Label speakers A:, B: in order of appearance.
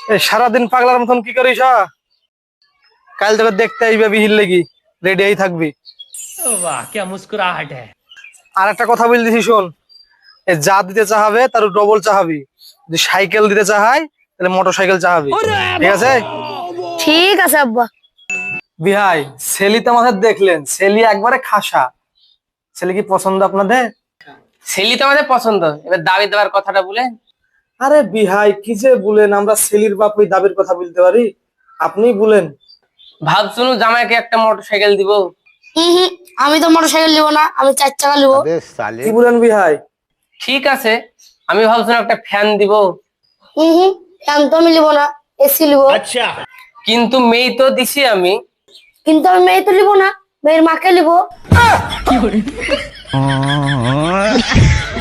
A: সারাদিন পাগলার মতন কি করিস? কাল তোকে দেখতে আইবে বিহির লেগি, রেডি হয়ে থাকবি।
B: वाह क्या मुस्कुराहट है।
A: আর একটা কথা বলে দিছি শোন, যা দিতে চাহাবে তার ডবল চাহাবি। যদি সাইকেল দিতে চাহাই তাহলে মোটর সাইকেল চাহাবি, ঠিক আছে?
C: ঠিক আছে আব্বা।
A: বিহাই ছেলি তো আমাদের দেখলেন, ছেলি একবারে খাসা। ছেলে কি পছন্দ আপনাদের?
D: ছেলে তো আমাদের পছন্দ, এবার দাবি দেওয়ার কথাটা বলেন।
A: আরে বিহাই কি যে বলেন, আমরা ছেলির বাপ ওই দাবির কথা বলতে পারি? আপনি বলেন।
D: ভাবছুন জামাইকে একটা মোটর সাইকেল দিব।
C: হুম, আমি তো মোটর সাইকেল নিবো না, আমি 4 চাকা নিবো।
A: কি বলেন বিহাই?
D: ঠিক আছে, আমি ভাবছিলাম একটা ফ্যান দিব।
C: হুম, ফ্যান তো আমি নিবো না, এসি নিবো।
B: अच्छा
D: কিন্তু মেয়ে তো দিছি আমি।
C: কিন্তু আমি মেয়ে তো নিবো না, মেয়ের মাকে নিবো।